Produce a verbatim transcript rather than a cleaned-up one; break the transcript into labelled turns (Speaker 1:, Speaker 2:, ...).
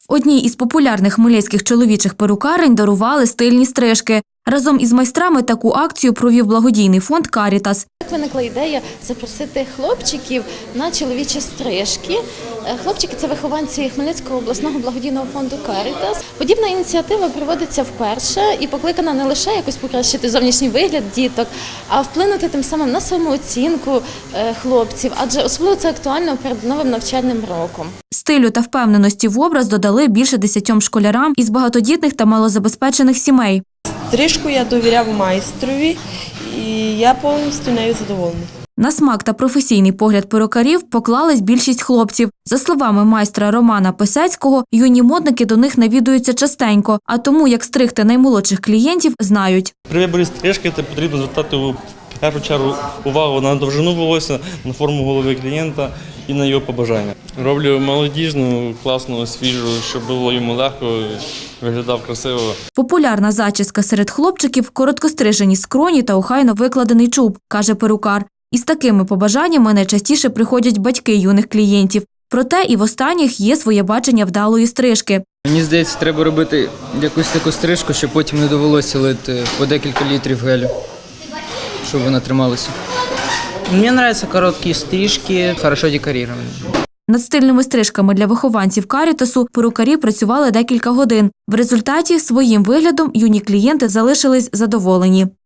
Speaker 1: В одній із популярних хмельницьких чоловічих перукарень дарували стильні стрижки. Разом із майстрами таку акцію провів благодійний фонд «Карітас».
Speaker 2: Так виникла ідея запросити хлопчиків на чоловічі стрижки. Хлопчики – це вихованці Хмельницького обласного благодійного фонду «Карітас». Подібна ініціатива проводиться вперше і покликана не лише якось покращити зовнішній вигляд діток, а вплинути тим самим на самооцінку хлопців, адже особливо це актуально перед новим навчальним роком.
Speaker 1: Стилю та впевненості в образ додали більше десятьом школярам із багатодітних та малозабезпечених сімей.
Speaker 3: Стрижку я довіряв майстрові, і я повністю нею задоволений.
Speaker 1: На смак та професійний погляд перукарів поклались більшість хлопців. За словами майстра Романа Писецького, юні модники до них навідуються частенько, а тому, як стригти наймолодших клієнтів, знають.
Speaker 4: При виборі стрижки потрібно звертати в першу чергу увагу на довжину волосся, на форму голови клієнта і на його побажання. Роблю молодіжну, класну, свіжу, щоб було йому легко, виглядав красиво.
Speaker 1: Популярна зачіска серед хлопчиків – короткострижені скроні та охайно викладений чуб, каже перукар. Із такими побажаннями найчастіше приходять батьки юних клієнтів. Проте і в останніх є своє бачення вдалої стрижки.
Speaker 5: Мені здається, треба робити якусь таку стрижку, щоб потім не довелося лити по декілька літрів гелю, щоб вона трималася.
Speaker 6: Мне нравятся короткие стрижки, хорошо декорированные.
Speaker 1: Над стильними стрижками для вихованців «Карітасу» перукарі працювали декілька годин. В результаті своїм виглядом юні клієнти залишились задоволені.